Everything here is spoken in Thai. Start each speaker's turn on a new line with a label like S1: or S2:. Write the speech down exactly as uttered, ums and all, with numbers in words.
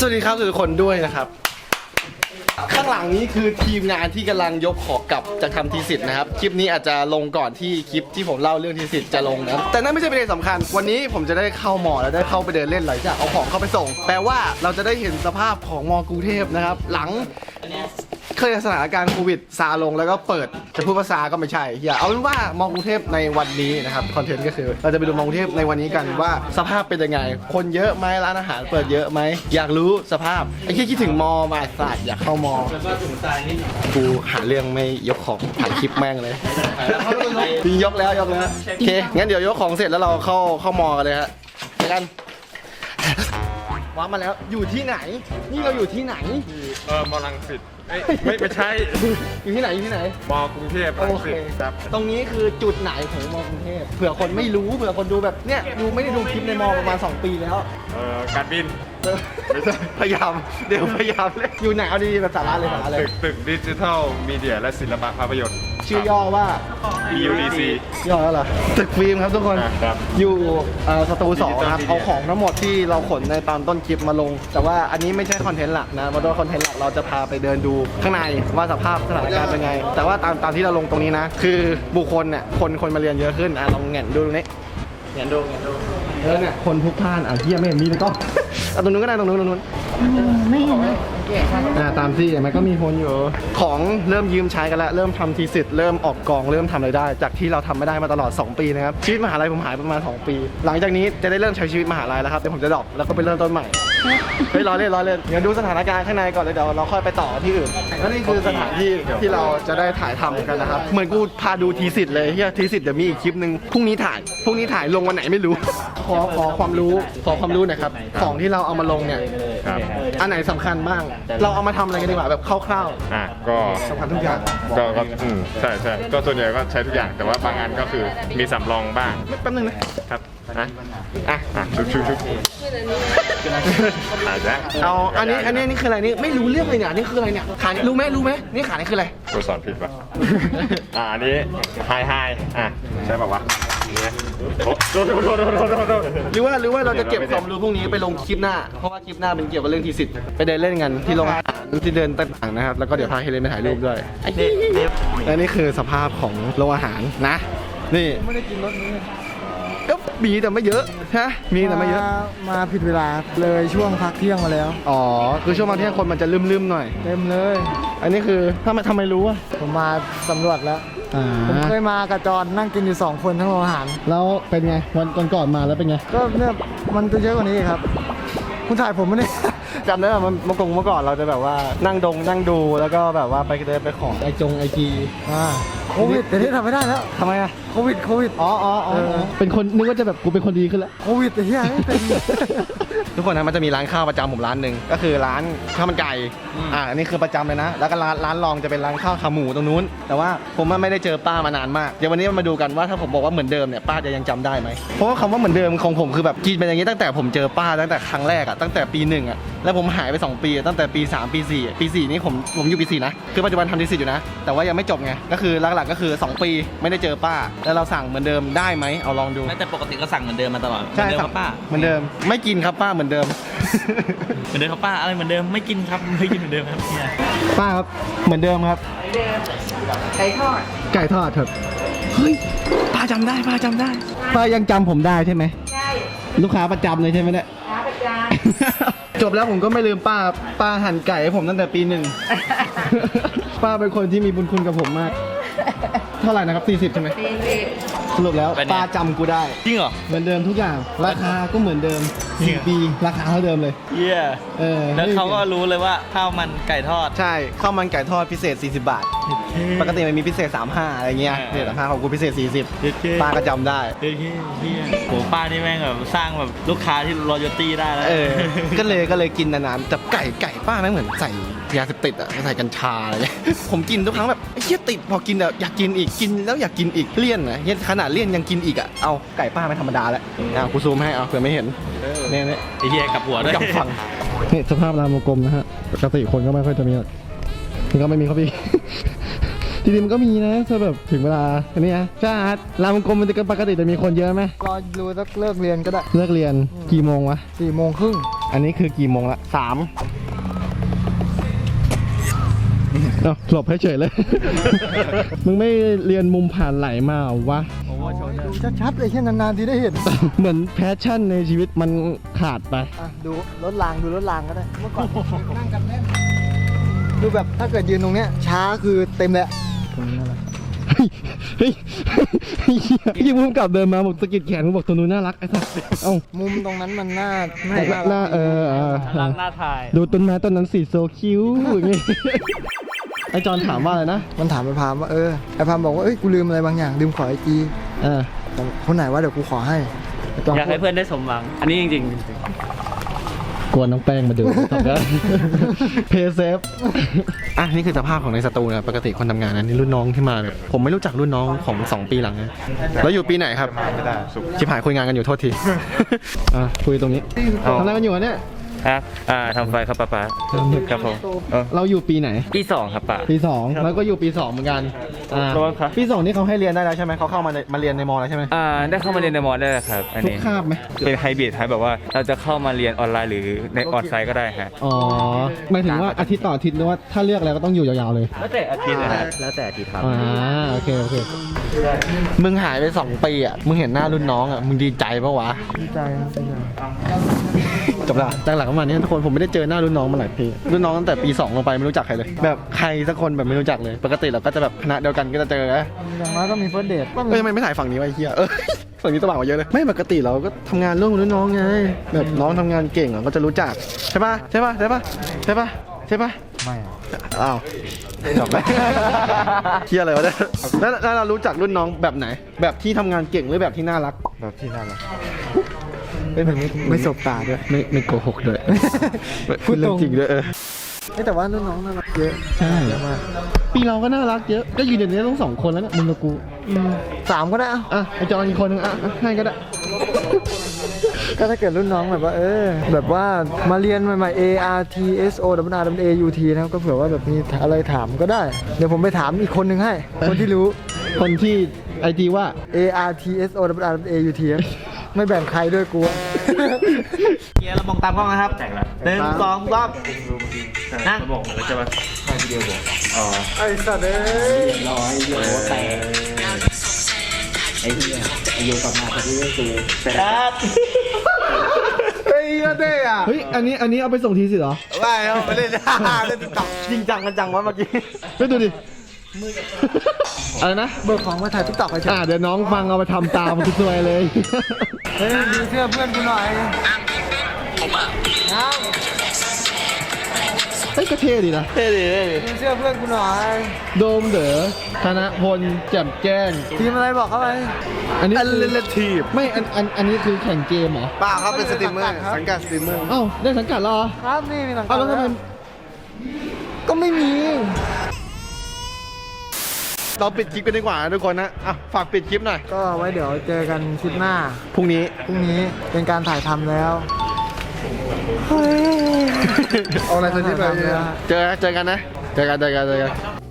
S1: วัสดีครับทุกคนด้วยนะครับข้างหลังนี้คือทีมงานที่กำลังยกของกลับจากทำทีสิทธ์นะครับคลิปนี้อาจจะลงก่อนที่คลิปที่ผมเล่าเรื่องทีสิทธ์จะลงนะแต่นั่นไม่ใช่ประเด็นสำคัญวันนี้ผมจะได้เข้ามอแล้วได้เข้าไปเดินเล่นหลังจากเอาของเข้าไปส่งแปลว่าเราจะได้เห็นสภาพของมอกรุงเทพนะครับหลังเคยสถานการณ์โควิดซาลงแล้วก็เปิดจะพูดภาษาก็ไม่ใช่อย่าเอาเป็นว่ามอกรุงเทพในวันนี้นะครับคอนเทนต์ก็คือเราจะไปดูมอกรุงเทพในวันนี้กันว่าสภาพเป็นยังไงคนเยอะไหมร้านอาหารเปิดเยอะไหมอยากรู้สภาพไอ้ที่คิดถึงมอมาศาสตร์อยากเข้ามอกูหาเรื่องไม่ยกของถ่ายคลิปแม่งเลยยกแล้วยกแล้วโอเคงั้นเดี๋ยวยกของเสร็จแล้วเราเข้าเข้ามอกันเลยฮะไปกันว้ามาแล้วอยู่ที่ไหนนี่เราอยู่ที่ไหน
S2: เออมอลังสิตไม่ไม่ใช่
S1: อยู่ที่ไหนอยู่ที่ไหน
S2: มอกรุงเทพ
S1: โอเคครับตรงนี้คือจุดไหนของมอกรุงเทพเผื่อคนไม่รู้เผื่อคนดูแบบเนี้ยดูไม่ได้ดูคลิปในมอประมาณสองปีแล้ว
S2: เออการบิน
S1: ไม่ใช่พยายามเดี๋ยวพยายามเลยอยู่ไหนเอาดีๆแบบสาระเลยสาระเลย
S2: ตึกตึกดิจิทัลมีเดียและศิลปะภาพยนตร์
S1: ชื่อย่อว่า
S2: บี ยู ดี ซี
S1: ย่อแล้วเหรอตึกฟิล์มครับทุกคนอยู่สตูสองครับเอาของทั้งหมดที่เราขนในตอนต้นคลิปมาลงแต่ว่าอันนี้ไม่ใช่คอนเทนต์หลักนะเพราะว่าคอนเทนต์หลักเราจะพาไปเดินดูข้างในว่าสภาพสถานการณ์เป็นไงแต่ว่าตามตามที่เราลงตรงนี้นะคือบุคคลเนี่ยคนคนมาเรียนเยอะขึ้นอ่ะลองแหงนดูตรงนี้แหงนดูแหงนดูเออเนี่ยคนพลุกพล่านอ่ะเที่ยไม่เห็นมีเลยก็เอาตรงนู้นก็ได้ตรงนู้นตรงนู้นไม่เห็นไหมอ่าตามที่มันก็มีคนอยู่ของเริ่มยืมใช้กันแล้วเริ่มทำทีสิทธ์เริ่มออกกองเริ่มทำอะไรได้จากที่เราทำไม่ได้มาตลอดสองปีนะครับชีวิตมหาลัยผมหายประมาณสองปีหลังจากนี้จะได้เริ่มใช้ชีวิตมหาลัยแล้วครับเดี๋ยวผมจะดรอปแล้วก็ไปเริ่มต้นใหม่เฮ้ยรอเล่นรอเล่นเดี๋ยวดูสถานการณ์ข้างในก่อนเลยเดี๋ยวเราค่อยไปต่อที่อื่นแล้วนี่คือสถานที่ที่เราจะได้ถ่ายทำกันนะครับเหมือนกูพาดูทีสิทธ์เลยเฮียทีสิทธ์เดี๋ยวมีอีกคลิปนึงพรุ่งนี้ถ่ายพรุ่งนี้ถ่ายลงวันไหนไม่รู้ขอขอความรู้ขอความรู้หน่อยครับของที่เราเอามาลงเนี่ยอันไหนสำคัญบ้างเราเอามาทำอะไรกันดีกว่าแบบคร่าว
S2: ๆอ่ะก็
S1: สำคัญทุกอย่าง
S2: ก็ก็อืมใช่ใช่ก็ส่วนใหญ่ก็ใช้ทุกอย่างแต่ว่าบางอันก็คือมีสำรองบ้าง
S1: แป๊บนึงนะครับ
S2: อ่ะอ่ะอ่ะชุบชุบชุบอาจจะ
S1: เอาอันนี้อันนี้นี่คืออะไรนี่ไม่รู้เรื่องเลยเนี่ยนี่คืออะไรเนี่ยขานี่รู้ไหมรู้ไหมนี่ขานี่คืออะไร
S2: กูสอนผิดป่ะอ่ะอันนี้ไฮไฮอ่ะใช่ป่ะวะโดนโดนโดนโดนโดนโดน
S1: หรือว่าหรือว่าเราจะเก็บความรู้พวกนี้ไปลงคลิปหน้าเพราะว่าคลิปหน้าเป็นเกี่ยวกับเรื่องทีสิทธ์ไปเดินเล่นกันที่โรงอาหารที่เดินต่างๆนะครับแล้วก็เดี๋ยวพาเฮเลนไปถ่ายรูปด้วยและนี่คือสภาพของโรงอาหารนะนี่ไม่ได้กินรถนี้ก็มีแต่ไม่เยอะฮะมีแต่ไม่เยอะ
S3: มาผิดเวลาเลยช่วงพักเที่ยงมาแล้ว
S1: อ๋อคือช่วงพักเที่ยงคนมันจะลืมๆหน่อย
S3: เต็มเลย
S1: อันนี้คือถ้ามาทำไมรู้อ่ะ
S3: ผมมาสำรวจแล้วผมเคยมากับจอนนั่งกินอยู่สองคนทั้งโรงอาหาร
S1: แล้วเป็นไงวันก่อนมาแล้วเป็นไง
S3: ก็เนี่ยมันจะเยอะกว่านี้ครับคุณถ่ายผมไม่ได้
S1: จำได้ว่ามันเมื่อก่อนเมื่อก่อนเราจะแบบว่านั่งดงนั่งดูแล้วก็แบบว่าไปเดินไปขอไอจงไอจี
S3: อ่าโควิดแต่นี่ทำไม่ได้แล้ว
S1: ทำไมอะ
S3: โควิดโควิด
S1: อ๋ออ๋ออ๋อเป็นคนนึกว่าจะแบบกูเป็นคนดีขึ้นแล้ว
S3: โควิดแต่ที่ไม่เป็น
S1: ทุกคนนะมันจะมีร้านข้าวประจำผมร้านหนึ่งก็คือร้านข้าวมันไก่อ่าอันนี้คือประจำเลยนะแล้วก็ร้านร้านรองจะเป็นร้านข้าวขาหมูตรงนู้นแต่ว่าผมไม่ได้เจอป้ามานานมากเดี๋ยววันนี้มาดูกันว่าถ้าผมบอกว่าเหมือนเดิมเนี่ยป้าจะยังจำได้ไหมเพราะว่าคำว่าเหมือนเดิมของผมคือแบบกินเป็นอย่างนี้ตั้งแต่ผมเจอป้าตั้งแต่ครั้งแรกอะตั้งแต่ปีหนึ่งอะแล้วผมหายไปสองปีตั้งแต่ปีสามปีสี่ปีสี่นี่ผมผมอยู่ปีสี่นะคือปัจจุบันทำทีสิทธ์อยู่นะแต่ว่ายังไม่จบไงก็คือหลักๆก็คือสองปีไม่ได้เจอป้าแล้วเราสั่งเหมือนเดิมได้ไหมเอาลองดู
S4: แต่ปกติก็สั่งเหมือนเดิมมาตลอด
S1: ใช่ครับป้าเหมือนเดิมไม่กินครับป้าเหมือนเดิม
S4: เหมือนเดิมครับป้าอะไรเหมือนเดิมไม่กินครับไม่กินเหมือนเดิมครับ
S1: ป้าครับเหมือนเดิมครับ
S3: ไก่ทอด
S1: ไก่ทอดครับเฮ้ยป้าจำได้ป้าจำได้ป้ายังจำผมได้ใช่ไหมใช่ลูกค้าประจำเลยใช่ไหมเนี่ยลูกค้าประจำจบแล้วผมก็ไม่ลืมป้าป้าหั่นไก่ให้ผมตั้งแต่ปีหนึ่งป้าเป็นคนที่มีบุญคุณกับผมมากเท่าไหร่นะครับสี่สิบใช่ไหมสี่สิบสรุปแล้วป้าจำกูได้
S4: จริงเหรอ
S1: เหมือนเดิมทุกอย่างราคาก็เหมือนเดิมสี่ปีราคาเท่าเดิมเลย
S4: เยี่ยเออแล้วเขาก็รู้เลยว่าข้าวมันไก่ทอด
S1: ใช่ข้าวมันไก่ทอดพิเศษสี่สิบบาทปกติมันมีพิเศษสามสิบห้าอะไรเงี้ยเนี่ยราคาของกูพิเศษสี่สิบป้าก็จำได้
S4: เฮ้ยโหป้านี่แม่งแบบสร้างแบบลูกค้าที่รอยัลตี้ได้แล้ว
S1: เออก็เลยก็เลยกินนานๆแต่ไก่ไก่ป้าไม่เหมือนใส่ยาเสพติดอ่ะใส่กัญชาอะไรเงี้ยผมกินทุกครั้งแบบเฮียติดพอกินอยากกินอีกกินแล้วอยากกินอีกเลี่ยนนะเฮียขนาดเลี่ยนยังกินอีกอ่ะเอาไก่ป้าไม่ธรรมดาแล้วอ่ะกูซูมให้เอาเผื่อไม่เห็นเนี่ยเนี่ย
S4: ไอ้เฮียกับหัวด้วย
S1: กับฝั่งนี่สภาพรามวงกลมนะฮะปกติคนก็ไม่ค่อยจะมีถึงก็ไม่มีเขาพี่จริงๆมันก็มีนะถ้าแบบถึงเวลาอันนี้นะใช่ฮะรามวงกลมมันจะปกติจะมีคนเยอะไหม
S3: รอดูสักเลิกเรียนก็ได้
S1: เลิกเรียนกี่โมงวะ
S3: สี่โมงครึ่ง
S1: อันนี้คือกี่โมงละสามเอ้าหลบให้เฉยเลย มึงไม่เรียนมุมผ่านไหลมาเหรอวะ
S3: ดูชัดๆเลยแค่นานๆที่ได้เห็น
S1: เหมือนแพชชั่นในชีวิตมันขาดไป
S3: อ่ะดูรถรางดูรถรางก็ได้เมื่อก่อนนั่งกันแน่นดูแบบถ้าเกิดยืนตรงเนี้ยช้าคือเต็มเลยตรงนี้นั่นแหละ
S1: เฮ้ยเฮ้ยยิ่งพุ่งกลับเดินมาบอกสะกิดแขนมึงบอกตัวนู้นน่ารักไอ้สัสเอ้า
S3: มุมตรงนั้นมันน่า
S1: หน้าเออเออ
S4: รักหน้าถ่าย
S1: ดูต้นไม้ต้นนั้นสีโซคิ้วอย่างงี้ ไอจอนถามว่าอะไรนะ
S3: มันถามไอ้พามว่าเออไอ้พามบอกว่าเอ้ยกูลืมอะไรบางอย่างลืมขอไอจี
S1: เออ
S3: คนไหนว่าเดี๋ยวกูขอให้ไจม
S4: อยากให้เพื่อนได้สมหวัง อันนี้จริง
S1: กวนน้องแป้งมาดูตอบได้ เพย์เซฟ อ่ะนี่คือสภาพของในสตูนะปกติคนทำงานนะนี่รุ่นน้องที่มาแบบผมไม่รู้จักรุ่นน้องของสองปีหลังนะแล้วอยู่ปีไหนครับชิบหายคุยงานกันอยู่โทษที อ่ะคุยตรงนี้ทำอะไรกันอยู่วะเนี่ย
S5: ครับ อ่าทำไฟครับป้าป้าครับผมเออ
S1: เราอยู่ปีไหน
S5: ปีสองครับป้า
S1: ปีสองแล้วก็อยู่ปีสองเหมือนกันอ่า
S5: ระวังครับ
S1: ปีสองนี่เขาให้เรียนได้แล้วใช่ไหมเขาเข้ามาในมาเรียนในมอแล้วใช่ไหม
S5: อ่า ได้เข้ามาเรียนในมอได้แล้วครับ อัน
S1: ทุก
S5: นี้
S1: คาบไหม
S5: เป็นไฮบริดครับแบบว่าเราจะเข้ามาเรียนออนไลน์หรือในออนไซต์ก็ได้ฮะ
S1: อ๋อหมายถึงว่าอาทิตย์ต่ออาทิตย์หรือว่าถ้าเลือกแล้วก็ต้องอยู่ยาวๆเลย
S5: แล้วแต่อาทิตย์นะฮะแล้วแต่อาทิตย์ครับ
S1: อ่าโอเคโอเคมึงหายไปสองปีอ่ะมึงเห็นหน้ารุ่นน้องอ่ะมึงดีใจปะวะ
S3: ดีใจครับดีใจ
S1: จบละตั้งหลักประมาณนี้ทุกคนผมไม่ได้เจอหน้ารุ่นน้องมาหลายปีรุ่นน้องตั้งแต่ปีสองลงไปไม่รู้จักใครเลย แบบใครสักคนแบบไม่รู้จักเลย ปกติเราก็จะแบบคณะเดียวกันก็จะเจอนะ
S3: อย่างน้อยก็มีเฟิร์สเดท
S1: เอ้ยทำไมไม่ถ่ายฝั่งนี้วะไอ้เหี้ยเออฝั่งนี้สว่างกว่าเยอะเลยไม่ปกติเราก็ทำงานร่วมกับรุ่นน้องไงแบบน้องทำงานเก่งเราก็จะรู้จักใช่ปะใช่ปะใช่ปะใช่ปะใช่ปะ
S3: ไม่
S1: อ้าวจบไป เฮียอะไรวะเนี่ยแล้วแล้วเรารู้จักรุ่นน้องแบบไหน แบบที่ทำงานเก่งหรือแบบที่น่ารัก
S3: แบบที่น่ารักเป็นแบบนี้ไม่สบตาด้วย
S1: ไม่ไม่โกหกด้วย พูดเรื่องจริงด้วยเออ
S3: เอ้ยแต่ว่ารุ่นน้องน่ารักเยอะ
S1: ใช่
S3: เยอะมาก
S1: ปีเราก็น่ารักเยอะ ก็ยืนอย่างนี้ต้องสองคนแล้วเนี่ยมึงกับกู
S3: อืมสามก็ได้อะ
S1: อ่ะไอจอนอีกคนนึงอ่ะอ่ะให้ก็ได้
S3: ก็ถ้าเกิดรุ่นน้องแบบว่า เออ แบบว่ามาเรียนใหม่ๆ A R T S O W R A U T นะครับก็เผื่อว่าแบบมีอะไรถามก็ได้ เดี๋ยวผมไปถามอีกคนนึงให้ คนที่รู้
S1: คนที่ไอจีว่า
S3: A R T S O W R A U T ครับไม่แบ่งใครด้วยกูอะ
S4: ๆเกียร์เรามองตามกล้องนะครับหนึ่งสองสามนั่ง
S5: บอกมาแล้วใช่ปะวิดีโอบอกอ๋อ
S3: ไอ้สัตว์เอ้ย
S5: ร้อยโยแต่ไอ้เหี้ยไอ้โยกลับมาพอดีก็คือแต่
S3: เฮ้ยเท่อะ
S1: เฮ้ยอันนี้อันนี้เอาไปส่งทีสิเหรอ
S3: ไม่เอาไปเล่นเล่นติ๊กต็อก
S1: จริงจังกันจังวะเมื่อกี้เฮ้ยดูดิอะไรนะ
S3: เบิกของมาถ่ายติ๊กต็อกไปเถ
S1: อ่า
S3: อะ
S1: เดี๋ยวน้องฟังเอาไปทำตามคุณซวยเลย
S3: เฮ้ยดูเสื้อเพื่อนกูหน่อยน้
S1: เฮ้ยก็เท่ดีนะ
S4: เท่ดี
S3: ำดูเสื้อเพื่อนกูหน่อย
S1: โดมเด๋อธนพลแจ่มแจ้ง
S3: ทีมอะไรบอกเขาไป
S1: อันนี้
S3: อัน
S1: คือ
S3: เลทีฟ
S1: ไม่อันอันอันนี้คือแข่งเกมเหรอ
S3: ป้าครับเป็นสตรีมเมอร์สังกัดสตรีมเมอร์
S1: เอ้าได้สังกัดเหรอ
S3: ครับนี่มีหลัง
S1: เอ้าแล้วทำไม
S3: ก็ไม่มี
S1: เราปิดคลิปกันดีกว่านะทุกคนนะอ่ะฝากปิดคลิปหน่อย
S3: ก็ไว้เดี๋ยวเจอกันคลิปหน้า
S1: พรุ่งนี้
S3: พรุ่งนี้เป็นการถ่ายทำแล้วเอาอะไรสักนิดไป
S1: เจอเจอกันนะ เจอกันเจอกันเจอกัน